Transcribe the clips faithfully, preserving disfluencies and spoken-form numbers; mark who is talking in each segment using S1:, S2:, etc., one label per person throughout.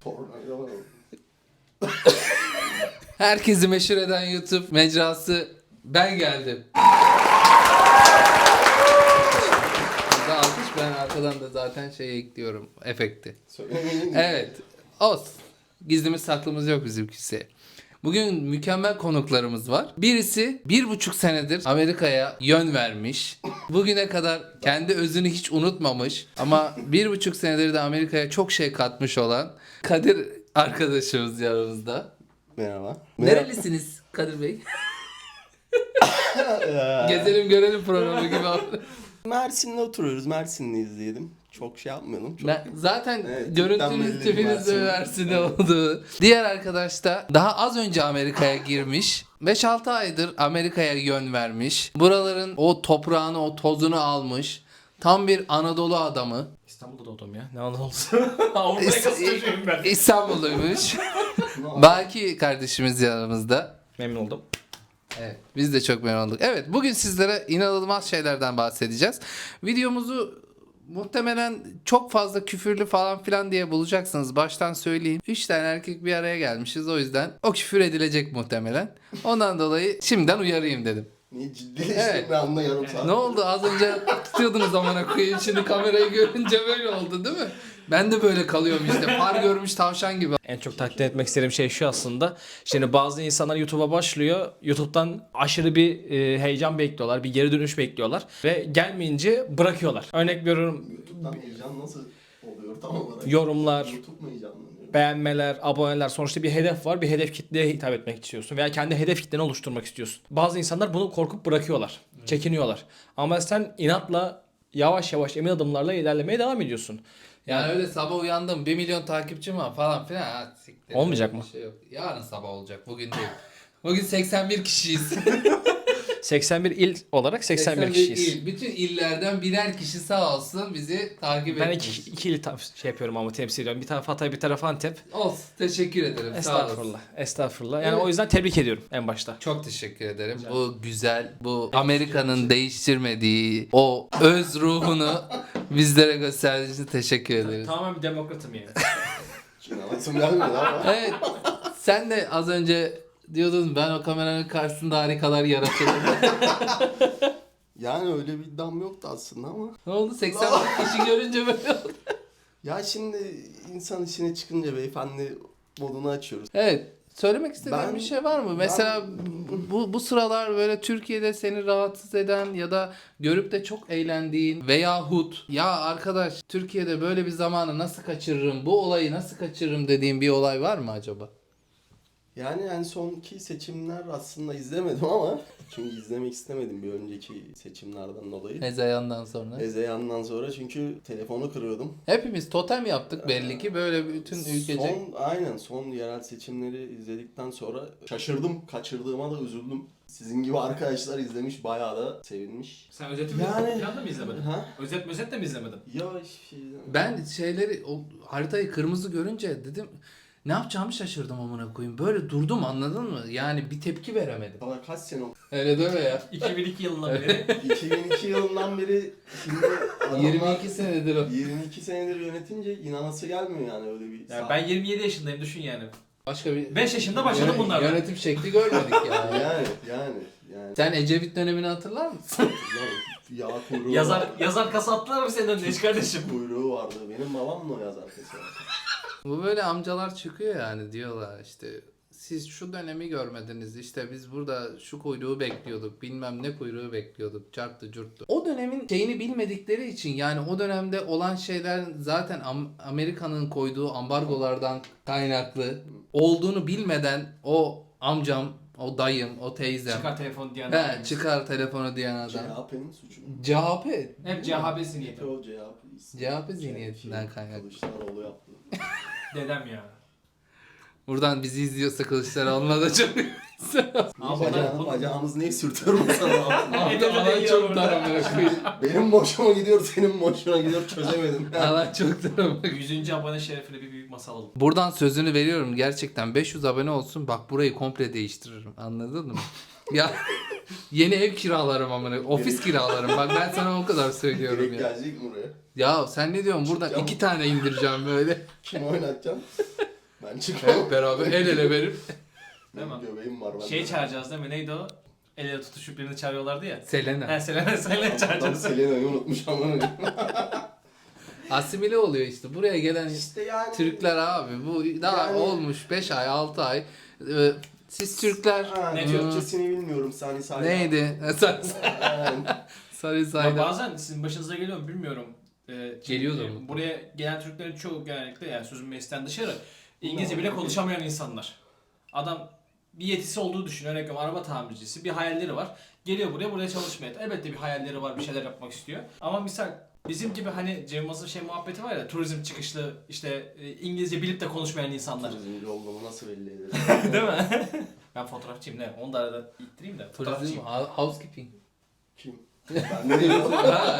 S1: Tornado.
S2: Herkesi meşhur eden YouTube mecrası ben geldim. Burada alkış, ben arkadan da zaten şey ekliyorum, efekti.
S1: Söylemeyin.
S2: Evet, olsun. Gizlimiz saklımız yok bizimkisi. Bugün mükemmel konuklarımız var. Birisi bir buçuk senedir Amerika'ya yön vermiş. Bugüne kadar kendi özünü hiç unutmamış. Ama bir buçuk senedir de Amerika'ya çok şey katmış olan Kadir arkadaşımız yanımızda.
S1: Merhaba.
S2: Nerelisiniz Kadir Bey? Gezelim görelim programı gibi.
S1: Mersin'de oturuyoruz. Mersinliyiz diyelim. Çok şey yapmayalım. Çok...
S2: Ben, zaten
S1: Evet,
S2: görüntünüz
S1: belli
S2: tipiniz
S1: Mersin.
S2: de Mersin'de oldu. Diğer arkadaş da daha az önce Amerika'ya girmiş. beş altı aydır Amerika'ya yön vermiş. Buraların o toprağını, o tozunu almış. Tam bir Anadolu adamı.
S3: İstanbul'da doğdum ya. Ne Anadolu'su? Avrupa yakası çocuğuyum ben.
S2: İstanbulluymuş. Baki kardeşimiz yanımızda.
S3: Memnun oldum.
S2: Evet, biz de çok memnun olduk. Evet, bugün sizlere inanılmaz şeylerden bahsedeceğiz. Videomuzu muhtemelen çok fazla küfürlü falan filan diye bulacaksınız. Baştan söyleyeyim. Üç tane erkek bir araya gelmişiz. O yüzden o küfür edilecek muhtemelen. Ondan dolayı şimdiden uyarayım dedim.
S1: Niye ciddileştim
S2: Evet.
S1: ben anda yarım saat.
S2: Ne oldu? Az önce tutuyordunuz amına koyayım. Şimdi kamerayı görünce böyle oldu değil mi? Ben de böyle kalıyorum işte. Far görmüş tavşan gibi.
S3: En çok takdir etmek istediğim şey şu aslında. Şimdi bazı insanlar YouTube'a başlıyor. YouTube'dan aşırı bir e, heyecan bekliyorlar. Bir geri dönüş bekliyorlar. Ve gelmeyince bırakıyorlar. Örnek veriyorum,
S1: YouTube'dan heyecan nasıl oluyor tam olarak?
S3: yorumlar,
S1: YouTube mu heyecanlanıyor?
S3: beğenmeler, aboneler, sonuçta bir hedef var. Bir hedef kitleye hitap etmek istiyorsun veya kendi hedef kitleni oluşturmak istiyorsun. Bazı insanlar bunu korkup bırakıyorlar. Çekiniyorlar. Ama sen inatla yavaş yavaş emin adımlarla ilerlemeye devam ediyorsun.
S2: Yani öyle sabah uyandım bir milyon takipçim var falan filan. Ha, siktir.
S3: Olmayacak
S2: Öyle
S3: mı?
S2: bir şey yok. Yarın sabah olacak. Bugün değil. Bugün seksen bir kişiyiz.
S3: seksen bir il olarak seksen bir kişiyiz.
S2: il. Bütün illerden birer kişi sağ olsun bizi takip
S3: Ben
S2: etmiş.
S3: iki, iki il ta- şey yapıyorum ama temsil ediyorum. Bir taraf Hatay, bir taraf Antep.
S2: Olsun. Teşekkür ederim. Sağ olasın.
S3: Estağfurullah. Estağfurullah. Yani
S2: Evet.
S3: o yüzden tebrik ediyorum en başta.
S2: Çok teşekkür ederim. Bu güzel, bu Amerika'nın değiştirmediği o öz ruhunu bizlere gösterdiğiniz için teşekkür ederiz.
S3: Tamamen bir demokratım yani.
S1: İnanasım gelmiyor ama.
S2: Evet. Sen de az önce diyordun ben o kameranın karşısında harikalar yaratırım.
S1: Yani öyle bir iddiam yoktu aslında ama.
S2: Ne oldu? seksen bir kişi görünce böyle oldu.
S1: Ya şimdi insan işine çıkınca beyefendi modunu açıyoruz.
S2: Evet. Söylemek istediğin
S1: Ben-
S2: bir şey var mı? Mesela bu bu sıralar böyle Türkiye'de seni rahatsız eden ya da görüp de çok eğlendiğin veyahut ya arkadaş Türkiye'de böyle bir zamanı nasıl kaçırırım, bu olayı nasıl kaçırırım dediğin bir olay var mı acaba?
S1: Yani en sonki seçimler aslında izlemedim ama çünkü izlemek istemedim bir önceki seçimlerden dolayı.
S2: Hezeyandan sonra.
S1: Ezeyan'dan sonra çünkü telefonu kırıyordum.
S2: Hepimiz totem yaptık belli ki böyle bütün ülkece.
S1: Son, aynen son yerel seçimleri izledikten sonra şaşırdım, kaçırdığıma da üzüldüm. Sizin gibi arkadaşlar izlemiş, bayağı da sevinmiş.
S3: Sen özet
S1: Yani-
S3: falan da mı izlemedin?
S1: Ha?
S3: Özet özet de mi izlemedin?
S1: Ya hiçbir şey izlemedim.
S2: Ben şeyleri o haritayı kırmızı görünce dedim ne yapacağımı şaşırdım amına koyayım. Böyle durdum anladın mı? Yani bir tepki veremedim.
S1: Sana kaç sene oldu?
S2: Öyle deme ya.
S3: iki bin iki yılından beri.
S1: iki bin iki yılından beri şimdi adamlar
S2: yirmi iki senedir o.
S1: yirmi iki senedir yönetince inanası gelmiyor yani öyle bir.
S3: Yani ben yirmi yedi yaşındayım düşün yani.
S2: Başka bir
S3: beş yaşında başladım
S2: Yöne-
S3: bunlarla.
S2: Yönetim şekli görmedik ya.
S1: yani yani yani.
S2: Sen Ecevit dönemini hatırlar mısın?
S1: Ya, yağ kuyruğu
S3: Yazar
S1: var.
S3: yazar kasa attılar mı senin önüne hiç kardeşim?
S1: Kuyruğu vardı. Benim babam da o yazar kesin.
S2: Bu böyle amcalar çıkıyor yani diyorlar işte siz şu dönemi görmediniz işte biz burada şu kuyruğu bekliyorduk bilmem ne kuyruğu bekliyorduk çarptı curttu. O dönemin şeyini bilmedikleri için yani o dönemde olan şeyler zaten Am- Amerika'nın koyduğu ambargolardan kaynaklı olduğunu bilmeden o amcam, o dayım, o teyzem
S3: Çıkar telefon diyen.
S2: he, çıkar telefonu diyen adam.
S1: C H P'nin suçu.
S2: C H P.
S3: Hep C H P niyeti.
S1: O C H P.
S2: C H P zihniyetinden kaynaklı.
S1: Kılıçdaroğlu yaptı.
S3: Dedem ya.
S2: Buradan bizi izliyorsa Kılıçdaroğlu'na da çok
S3: Ama
S1: Bacağını,
S3: bunu-
S1: bacağımızı niye sürtüyorum sana altına?
S2: Alan çok dar amına koyayım.
S1: Benim boşuma gidiyor, senin boşuna gidiyor çözemedim.
S2: Alan çok dar amına koyayım.
S3: yüzüncü abone şerefine bir büyük masa alalım.
S2: Buradan sözünü veriyorum gerçekten beş yüz abone olsun bak burayı komple değiştiririm anladın mı? Ya yeni ev kiralarım amına ofis kiralarım bak ben sana o kadar söylüyorum
S1: Direkt
S2: ya.
S1: gelecek mi buraya?
S2: Ya sen ne diyorsun buradan
S1: Çıkacağım.
S2: iki tane indireceğim böyle.
S1: Kim oynatacağım? Ben çıkmam.
S2: Hep beraber el ele verip
S3: Değil mi?
S1: Göbeğim var.
S3: Şey çağıracağız değil mi? Neydi o? El ele tutuşup birini çağırıyorlardı ya.
S2: Selena.
S3: He Selena, Selena
S1: Adam
S3: çağıracağız.
S1: Selena'yı unutmuş ama.
S2: Asimile oluyor işte. Buraya gelen
S1: İşte yani.
S2: Türkler abi. Bu daha
S1: Yani-
S2: olmuş beş ay altı ay. Ee, Siz Türkler
S1: Ha,
S3: Ne
S1: ne
S3: diyor?
S1: Türkçesini bilmiyorum Sani Sayda.
S2: neydi? Sarı
S1: Yani,
S2: Sarı
S3: Ya
S2: sayda.
S3: bazen sizin başınıza geliyor mu bilmiyorum. Ee,
S2: Geliyordur
S3: çünkü
S2: mu?
S3: Buraya gelen Türklerin çoğu genellikle yani sözün meclisten dışarı İngilizce bile konuşamayan insanlar. Adam bir yetisi olduğu düşünüyor. Örnek veriyorum, araba tamircisi. Bir hayalleri var. Geliyor buraya buraya çalışmaya. Elbette bir hayalleri var. Bir şeyler yapmak istiyor. Ama misal bizim gibi hani Cem Yılmaz'ın şey muhabbeti var ya, turizm çıkışlı işte e, İngilizce bilip de konuşmayan insanlar.
S1: turizmci olduğumu nasıl belli ederim?
S3: Değil mi? Ben fotoğrafçıyım ne? Onu da arada ittireyim de.
S2: Turizm,
S3: Fotoğrafçıyım.
S2: ha- housekeeping.
S1: Kim? Ben ne diyeyim?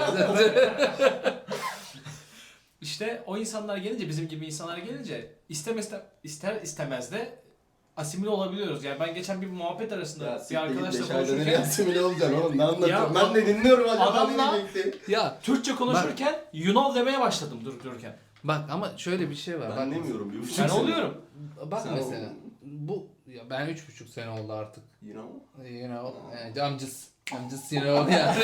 S3: İşte o insanlar gelince, bizim gibi insanlar gelince istemez ister istemez de asimile olabiliyoruz. Yani ben geçen bir muhabbet arasında
S1: Ya
S3: bir
S1: siktir git
S3: arkadaşla
S1: beş ayda nereye
S3: konuşurken
S1: asimile olacaksın oğlum, ne anlatıyorsun?
S3: Ya,
S1: Ben de dinliyorum acaba
S3: adamla-
S1: ne diyecekti?
S2: Ya
S3: Türkçe konuşurken Yunan demeye başladım durup dururken.
S2: bak ama şöyle bir şey var.
S1: Ben
S2: bak,
S1: demiyorum bir buçuk
S3: Ben
S1: sene.
S3: oluyorum.
S2: Bak
S1: Sen
S2: mesela
S1: oldun.
S2: bu ya ben üç buçuk sene oldu artık.
S1: You know?
S2: You know, eh, I'm just, I'm just you know yani.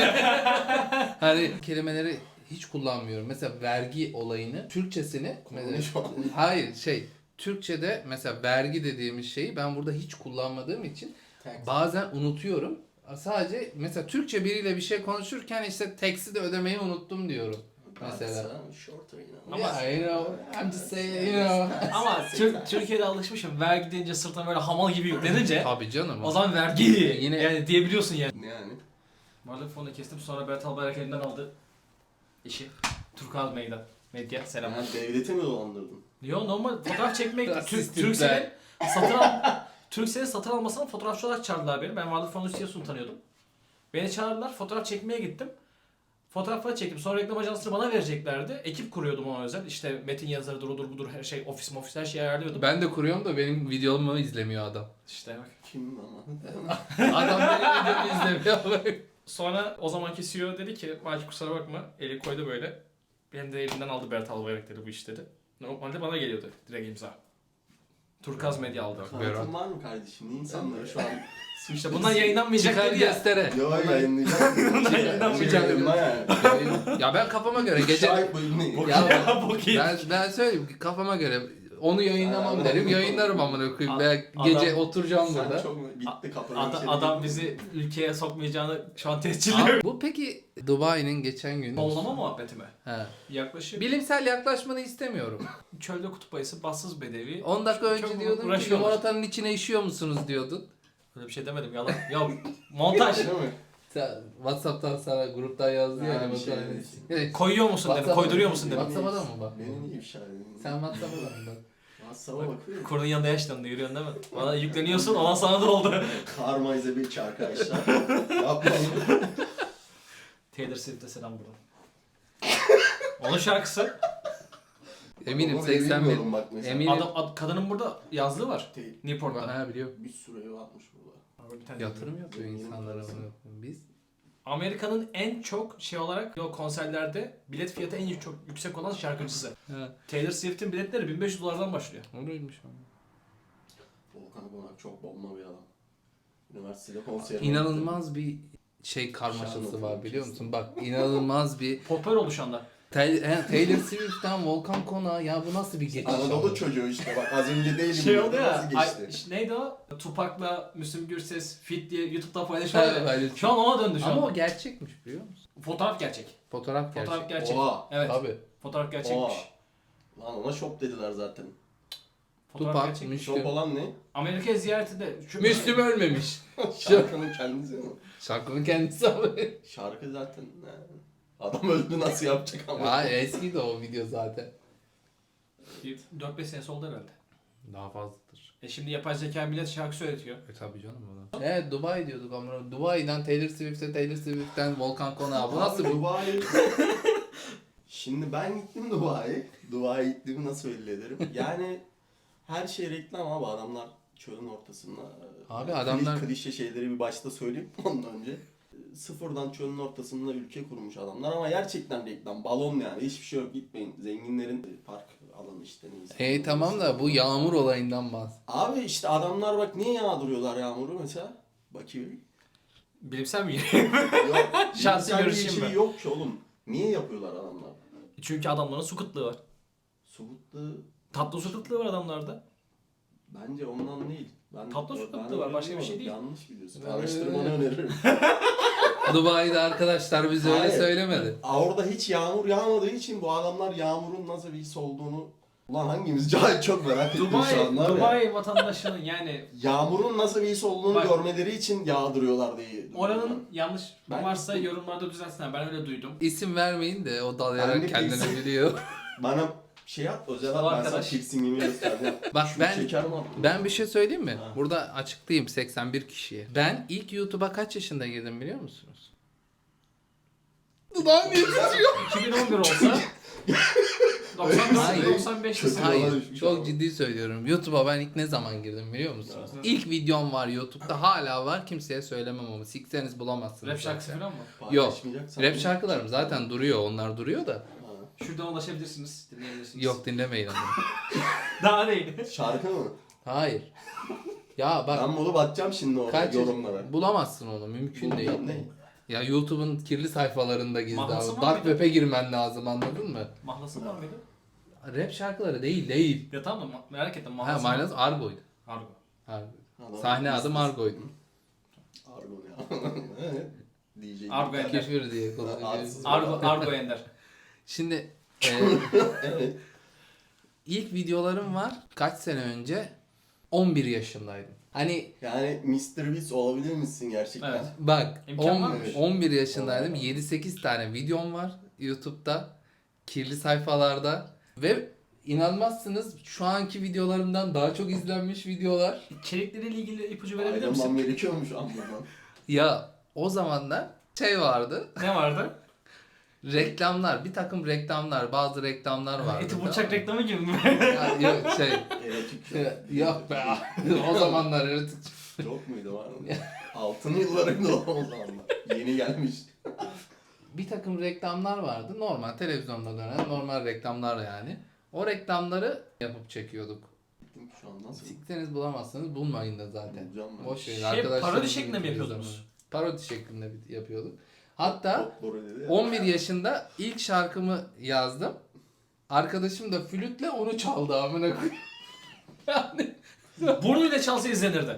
S2: Hani kelimeleri hiç kullanmıyorum. Mesela vergi olayını, Türkçesini mesela,
S1: Şu an.
S2: hayır şey Türkçe'de mesela vergi dediğimiz şeyi ben burada hiç kullanmadığım için bazen unutuyorum. Sadece mesela Türkçe biriyle bir şey konuşurken işte tax'i de ödemeyi unuttum diyorum. Mesela.
S1: Shorter, you know.
S3: Ama-
S2: Yeah, you know, I'm just saying, you know.
S3: Ama Tür- Türkiye'de alışmışım. Vergi deyince sırtına böyle hamal gibi yüklenince
S2: Tabii canım.
S3: o zaman vergi
S2: Yine-
S3: yani diyebiliyorsun yani.
S1: Yani.
S3: Varlık fonunu kestim, sonra Berat Albayrak elinden aldı işi. Turkuaz Meydan. Medya selamlar.
S1: Yani devleti mi dolandırdın?
S3: Yo normal fotoğraf çekmek
S2: Rasist
S3: Türk
S2: Türkler.
S3: Turkcell'in satın al Turkcell'in satın almasına fotoğrafçı olarak çağırdılar beni. Ben Varlık Fonu C E O'sunu tanıyordum. Beni çağırdılar, fotoğraf çekmeye gittim. Fotoğrafları çektim. Sonra reklam ajansını bana vereceklerdi. Ekip kuruyordum ona özel. İşte metin yazarıdır, odur budur, her şey, ofis ofis her şeyi ayarlıyordum.
S2: Ben de kuruyorum da benim videomu izlemiyor adam.
S3: İşte bak.
S1: Kim ama?
S2: Adam benim videomu izlemiyor.
S3: Sonra o zamanki C E O dedi ki, Belki kusura bakma, eli koydu böyle. Benim de elimden aldı Berat Albayrak dedi bu iş dedi. Normalde bana geliyordu direkt imza. Turkuaz Medya aldı.
S1: Kanıtın var mı kardeşim? Niye insanları şu an
S3: İşte bundan yayınlanmayacak
S2: Çıkar
S3: dedi ya.
S2: göstere.
S1: Yo yayınlayacağım.
S3: Yayınlanmayacak.
S1: Yayınla yani.
S2: Ya ben kafama göre gece...
S1: Şahit bölümü.
S2: Ya
S3: Bok iyi.
S2: ben, ben söyleyeyim ki kafama göre onu yayınlamam
S1: Aa,
S2: derim. Yayınlarım amına koyayım. Ben
S3: Adam-
S2: gece oturacağım
S1: Sen
S2: burada.
S1: çok gitti kapıdan
S3: Adam,
S1: içeri
S3: adam
S1: girdin.
S3: bizi ülkeye sokmayacağını şu an tescilliyor.
S2: Abi, bu peki Dubai'nin geçen gün...
S3: Fonlama muhabbeti mi?
S2: He.
S3: Yaklaşık
S2: Bilimsel yaklaşmanı istemiyorum.
S3: çölde kutup ayısı, bassız bedevi.
S2: on dakika
S3: Çok
S2: önce diyordun ki
S3: uğraşıyorlar.
S2: limonatanın içine işiyor musunuz diyordun.
S3: Öyle bir şey demedim yalan. Ya montaj.
S1: Değil mi?
S2: Sen Whatsapp'tan sana gruptan yazdı ya
S1: Ha, bir
S2: limonatanın
S1: şey.
S2: içine. Evet.
S3: Koyuyor musun dedim,
S2: WhatsApp'a-
S3: koyduruyor musun dedim.
S2: WhatsApp'a da mı bak?
S1: Beni niye ifşa edin?
S2: Sen Whatsapp'a da mı bak?
S1: WhatsApp'a bakıyorum.
S3: Kurunun yanında yaşlandı, yürüyorsun değil mi? Bana yükleniyorsun, olan sana da oldu.
S1: Karma is a bitch arkadaşlar. Yapmayın.
S3: Taylor Swift'e selam buradan. Onun şarkısı.
S2: Eminim
S1: Onu
S2: seksen bin.
S1: bilmiyorum bak mesela.
S2: Eminim.
S3: Adam, ad- kadının burada yazlığı var.
S1: Değil.
S3: Newport'ta.
S2: Ha biliyor.
S1: Bir sürü ev atmış burada.
S3: Bir tane
S2: Yatırım yapıyor insanlara bunu. Biz
S3: Amerika'nın en çok şey olarak o konserlerde bilet fiyatı en çok yüksek olan şarkıcısı.
S2: ha
S3: Taylor Swift'in biletleri bin beş yüz dolardan başlıyor.
S2: öyleymiş ama.
S1: Volkan Konak çok bomba bir adam. Üniversitede konser
S2: İnanılmaz bir şey karmaşası var biliyor musun? Bak inanılmaz bir
S3: Popüler oldu şu anda.
S2: Tay- he, Taylor Swift'ten Volkan Konak'a ya bu nasıl bir geçiş?
S1: Anadolu
S2: abi?
S1: çocuğu işte bak az önce değilim.
S3: Şey oldu ya,
S1: Nasıl
S3: ay,
S1: geçti?
S3: işte neydi o? Tupac'la Müslüm Gürses fit diye YouTube'da paylaşıyorlar ya.
S2: Evet,
S3: Şu an ona döndü şu
S2: ama
S3: an.
S2: o gerçekmiş biliyor musun?
S3: Fotoğraf gerçek.
S2: Fotoğraf gerçek.
S3: Fotoğraf gerçek.
S1: Oha.
S3: Evet.
S2: Tabii.
S3: Fotoğraf gerçekmiş.
S1: Oha. Lan ona shop dediler zaten.
S3: Fotoğraf
S2: Tupac,
S3: gerçekmiş.
S1: Shop
S2: Müslüm.
S1: olan ne?
S3: Amerika ziyaretinde şu
S2: Müslüm ölmemiş.
S1: Şarkının kendisi mi?
S2: Şarkının kendisi abi.
S1: Şarkı zaten ne? Adam öldü nasıl yapacak ama.
S2: Ha eski de o video zaten.
S3: dört beş senesi oldu herhalde.
S2: Daha fazladır.
S3: E şimdi yapay zeka millet şarkı söyletiyor.
S2: E tabii canım ona. Evet Dubai diyorduk ama Dubai'den Taylor Swift'e, Taylor Swift'ten Volkan Konak'a. Bu nasıl
S1: Abi,
S2: bir...
S1: Dubai? Şimdi ben gittim Dubai. Dubai gittiğimi nasıl belli ederim? Yani her şey reklam abi, adamlar çölün ortasında.
S2: Abi
S1: Yani
S2: adamlar-
S1: klişe şeyleri bir başta söyleyeyim ondan önce. Sıfırdan çölün ortasında ülke kurmuş adamlar ama gerçekten reklam, balon yani hiçbir şey yok, gitmeyin. Zenginlerin park alın işte neyse.
S2: Hey tamam da bu yağmur olayından bahs.
S1: Abi işte adamlar bak niye yağdırıyorlar yağmuru mesela? Bakayım.
S3: Bilimsel mi?
S1: Yok.
S3: Şahsi
S1: bilimsel bir
S3: görüşüm
S1: şey
S3: ben.
S1: yok ki oğlum. Niye yapıyorlar adamlar?
S3: Çünkü adamların su kıtlığı var.
S1: Subutlu
S3: Tatlı su kıtlığı var adamlarda.
S1: bence ondan değil. Ben,
S3: Tatlı su
S1: ben
S3: kıtlığı var,
S1: öyle
S3: başka bir
S1: diyorum.
S3: şey değil.
S1: Yanlış biliyorsun.
S2: Ben
S1: Araştırmanı
S2: öyle-
S1: öneririm.
S2: Dubai'de arkadaşlar bize öyle
S1: Hayır.
S2: söylemedi.
S1: Orada hiç yağmur yağmadığı için bu adamlar yağmurun nasıl bir his olduğunu... Ulan hangimiz cahil çok merak ettim şu an var
S3: Dubai,
S1: ya.
S3: Dubai vatandaşının yani
S1: Yağmurun nasıl bir his olduğunu
S3: Bak-
S1: görmeleri için yağdırıyorlar diye.
S3: oranın yanlış
S1: Ben-
S3: varsa yorumlarda düzelsinler. Ben öyle duydum.
S2: İsim vermeyin de o
S1: Ben
S2: dalayarak
S1: de
S2: kendini
S1: kesin-
S2: biliyor.
S1: Bana şey at, özel
S3: Sağ
S1: at, ben sana
S3: arkadaş.
S1: piercingimi göstereceğim.
S2: Bak
S1: Şu
S2: ben
S1: şeker mi attın?
S2: ben bir şey söyleyeyim mi?
S1: Ha.
S2: Burada açıklayayım seksen bir kişiye. Ben ilk YouTube'a kaç yaşında girdim biliyor musunuz? Dudağım yetişiyor.
S3: iki bin on bir olsa doksan
S2: Hayır.
S3: dört doksan beş
S1: Kötü.
S2: Hayır,
S1: düşmüş
S2: çok
S1: ama.
S2: ciddi söylüyorum. YouTube'a ben ilk ne zaman girdim biliyor musunuz?
S3: Evet.
S2: İlk videom var YouTube'da, hala var, kimseye söylemem ama sikseniz bulamazsınız.
S3: rap şarkısı
S2: zaten.
S3: falan mı?
S2: Yok.
S1: Paylaşmayacaksan-
S2: Rap şarkılarım zaten duruyor, onlar duruyor da.
S1: Ha.
S3: Şuradan ulaşabilirsiniz, dinleyebilirsiniz.
S2: Yok dinlemeyin onu.
S3: Daha değil.
S1: Şarkı mı?
S2: Hayır. Ya bak
S1: Ben bunu bakacağım şimdi orada
S2: kaç
S1: yorumlara.
S2: bulamazsın onu, mümkün değil.
S1: Ne?
S2: Ya YouTube'un kirli sayfalarında gizli
S3: Mahlası
S2: abi.
S3: var
S2: Dark
S3: mıydı?
S2: Web'e girmen lazım, anladın mı?
S3: Mahlası var mıydı?
S2: Rap şarkıları değil değil.
S3: Ya tamam da ma- merak ettim.
S2: Ha
S3: Mahlası
S2: Maynaz Argo'ydu.
S3: Argo.
S2: Argo.
S1: Adam-
S2: Sahne adı Margo'ydu.
S1: Argo ya. Evet. D J.
S3: Argo Ender.
S2: Küfür diye kullanıyoruz.
S1: Arsız.
S3: Argo, Argo Ender.
S2: Şimdi e,
S1: Evet.
S2: ilk videolarım var. Kaç sene önce? on bir yaşındaydım. Hani
S1: Yani mister Beast olabilir misin gerçekten?
S3: Evet.
S2: bak
S3: İmkan
S2: on-
S3: varmış.
S2: on bir yaşındaydım.
S1: Oo.
S2: yedi sekiz tane videom var YouTube'da. Kirli sayfalarda. Ve inanmazsınız şu anki videolarımdan daha çok izlenmiş videolar.
S3: İçerikleriyle ilgili ipucu verebilir
S1: Ayrılmam
S3: misin?
S1: gerekiyormuş anlamam.
S2: Ya o zamanlar şey vardı.
S3: Ne vardı?
S2: Reklamlar, bir takım reklamlar, bazı reklamlar vardı.
S3: Eti
S2: tamam
S3: bıçak
S2: mı?
S3: reklamı gibi mi?
S2: Ya, yok şey,
S1: Erotik şu.
S2: yok be. O zamanlar erotik.
S1: Yok muydu var mı? Altın yıllarında o zamanlar. Yeni gelmiş.
S2: Bir takım reklamlar vardı. Normal televizyonda dönen normal reklamlar yani. O reklamları yapıp çekiyorduk.
S1: Şu an nasıl?
S2: Siktiniz bulamazsanız bulmayın da zaten.
S1: Bulacağım ben.
S2: Boş verin.
S3: Şey,
S2: Arkadaşlarınızın
S3: parodi şeklinde mi
S2: ülkeniz
S3: yapıyordunuz?
S2: zaman. Parodi şeklinde bir- yapıyorduk. Hatta
S1: Çok doğru dedi ya.
S2: on bir yaşında ilk şarkımı yazdım. Arkadaşım da flütle onu çaldı amına koyayım. Yani
S3: Burnuyla çalsa izlenirdi.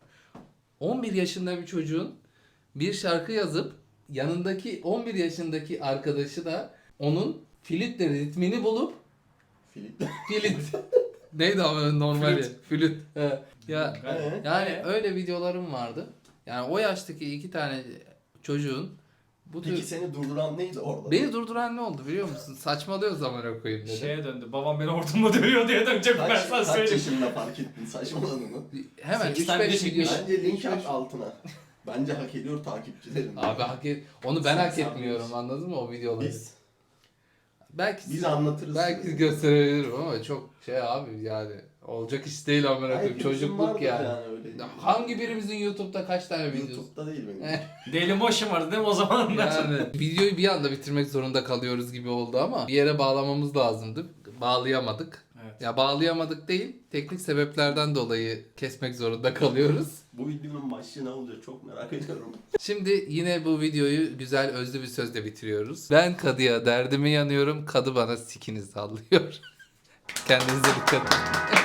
S2: on bir yaşında bir çocuğun bir şarkı yazıp yanındaki on bir yaşındaki arkadaşı da onun flütle ritmini bulup
S1: Filip.
S2: flüt neydi ama normal
S3: Flüt.
S2: ya? Flüt. He. Ya
S1: Ee?
S2: yani
S3: Ee?
S2: öyle videolarım vardı. Yani o yaştaki iki tane çocuğun bu tür...
S1: Peki seni durduran neydi orada?
S2: Beni durduran ne oldu biliyor musun? Saçmalıyor zaman okuyayım dedi.
S3: Şeye döndü. Babam beni hortumla dövüyor diye dönecek ben
S1: Kaç,
S3: sana
S1: kaç
S3: söyleyeyim.
S1: yaşında fark ettin saçmaladığını?
S2: Hemen
S3: Sekiz
S2: üç
S3: tane
S2: beş
S3: video
S2: video.
S3: çekmiş.
S1: Bence link
S2: üç
S1: at
S2: beş
S1: altına. Bence hak ediyor takipçilerin.
S2: Abi hak et... Onu ben hak
S1: Sen
S2: etmiyorum
S1: sanmıyorsun.
S2: anladın mı o videoları?
S1: Biz,
S2: Belki
S1: biz anlatırız.
S2: belki
S1: size.
S2: gösterebilirim ama çok şey abi yani olacak iş değil amına koyayım.
S1: Hepimizin
S2: Çocukluk
S1: vardır
S2: yani.
S1: öyle.
S2: Hangi birimizin YouTube'da kaç tane videosu?
S1: YouTube'da değil benim.
S3: Dailymotion vardı değil mi o zamanlar?
S2: Yani videoyu bir anda bitirmek zorunda kalıyoruz gibi oldu ama bir yere bağlamamız lazımdı. Bağlayamadık.
S3: Evet.
S2: Ya bağlayamadık değil, teknik sebeplerden dolayı kesmek zorunda kalıyoruz.
S1: Bu videonun başlığı ne olacak çok merak ediyorum.
S2: Şimdi yine bu videoyu güzel özlü bir sözle bitiriyoruz. Ben kadıya derdimi yanıyorum, kadı bana sikini sallıyor. Kendinize dikkat edin.